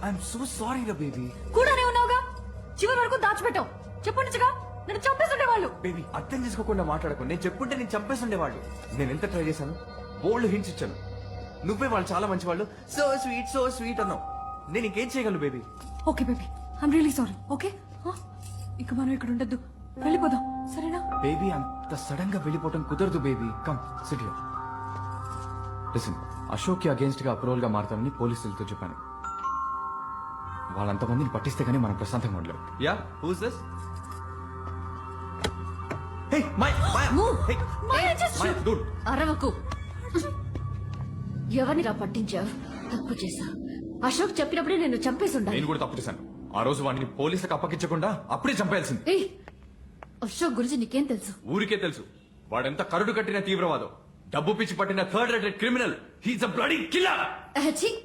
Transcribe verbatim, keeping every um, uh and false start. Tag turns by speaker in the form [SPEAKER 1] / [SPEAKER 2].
[SPEAKER 1] I'm so sorry రా baby.
[SPEAKER 2] కూడానే ఉన్నావుగా, చివరి వరకు దాచిపెట్టావు. చెప్పండిగా, నన్ను చంపేస్తుండే వాళ్ళు.
[SPEAKER 1] బేబీ అర్థం చేసుకోకుండా మాట్లాడకు. నేను చెప్పుంటే నేను చంపేస్తుండేవాళ్ళు. నేను ఎంత ట్రై చేశాను, బోల్డ్ హింట్స్ ఇచ్చాను. నువ్వే వాళ్ళు చాలా మంచి వాళ్ళు, సో స్వీట్ సో స్వీట్ అన్నావు. నేను ఇంకేం చేయగలను baby?
[SPEAKER 2] Okay baby, I'm really sorry. Okay, ఇక మనం ఇక్కడ ఉండద్దు, వెళ్ళిపోదాం సరేనా?
[SPEAKER 1] బేబీ అంత సడన్ గా వెళ్ళిపోవటం కుదరదు baby. Come sit here. Listen, Ashok కి అగేన్స్ట్ గా అప్రూవల్ గా మారుతామని పోలీసులతో చెప్పాను. వాళ్ళంతమందిని పట్టిస్తే గానీ మనం ప్రశాంతంగా ఉండలేం. Yeah, who's this? Hey my my
[SPEAKER 2] Move.
[SPEAKER 1] Hey
[SPEAKER 2] Maya, just
[SPEAKER 1] my
[SPEAKER 2] shoot.
[SPEAKER 1] Dude.
[SPEAKER 2] అరవకు. ఎవరిని రా పట్టించావు? తప్పు చేశా. అశోక్ చెప్పినప్పుడే నేను చంపేసి ఉండాలి.
[SPEAKER 1] నేను కూడా తప్పు చేశాను. ఆ రోజు వాడిని పోలీసులకు అప్పగించకుండా అప్పుడే చంపేయాల్సింది.
[SPEAKER 2] ఏయ్, అశోక్ గురించి నీకేం తెలుసు?
[SPEAKER 1] ఊరికే తెలుసు, వాడెంత కరుడు కట్టిన తీవ్రవాదం, డబ్బు పిచ్చి పట్టిన third rated criminal. He's a bloody killer.
[SPEAKER 2] అహచి